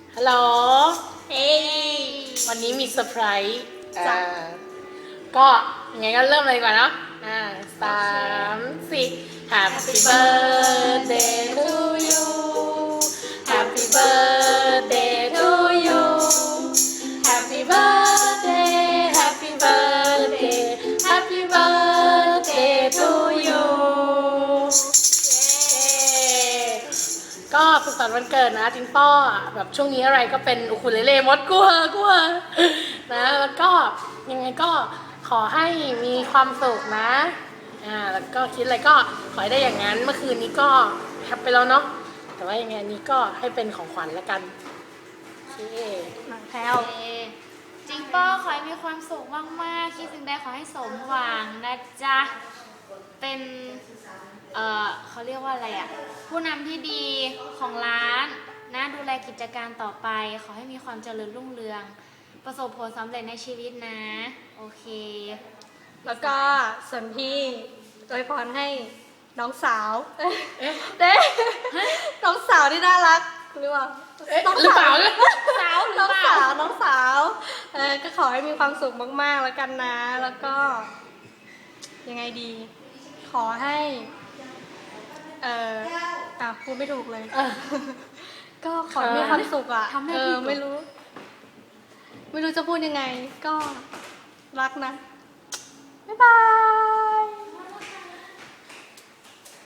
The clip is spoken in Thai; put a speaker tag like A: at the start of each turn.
A: ฮัลโหลเฮ้ยวันนี้มีเซอร์ไพรส์ก็ยังไงก็เริ่มเลยดีกว่าเนาะ3 4 Happy birthday to you Happy birthday to you Happy birthday Happy birthday Happy birthday to you ก็สุขสันต์วันเกิดนะจิงป้อแบบช่วงนี้อะไรก็เป็นอุคุเลเล่มดกลัวนะแล้วก็ยังไงก็ขอให้มีความสุขนะแล้วก็คิดอะไรก็ขอให้ได้อย่างนั้นเมื่อคืนนี้ก็แฮปไปแล้วเนาะแต่ว่ายังไงนี้ก็ให้เป็นของขวัญแล้วกันโอเคมาแพลว
B: จิงโป้ขอให้มีความสุขมากๆคิดสิ่งใดขอให้สมหวังนะจ๊ะเป็นเขาเรียกว่าอะไรอ่ะผู้นำที่ดีของร้านนะดูแลกิจการต่อไปขอให้มีความเจริญรุ่งเรืองประสบผลสำเร็จในชีวิตนะโอเค
C: แล้วก็ส่วนพี่อวยพรให้น้องสาวเด้น้องสาวที่น่ารักหรือเปล่า
A: หรือเปล่าเนี่ย
B: สาวหรือเปล่า
C: น้องสาวก็ขอให้มีความสุขมากๆแล้วกันนะแล้วก็ยังไงดีขอให้พูดไม่ถูกเลยก็ขอให้มีความสุขอ่ะไม่รู้จะพูดยังไงก็รักนะบ๊ายบาย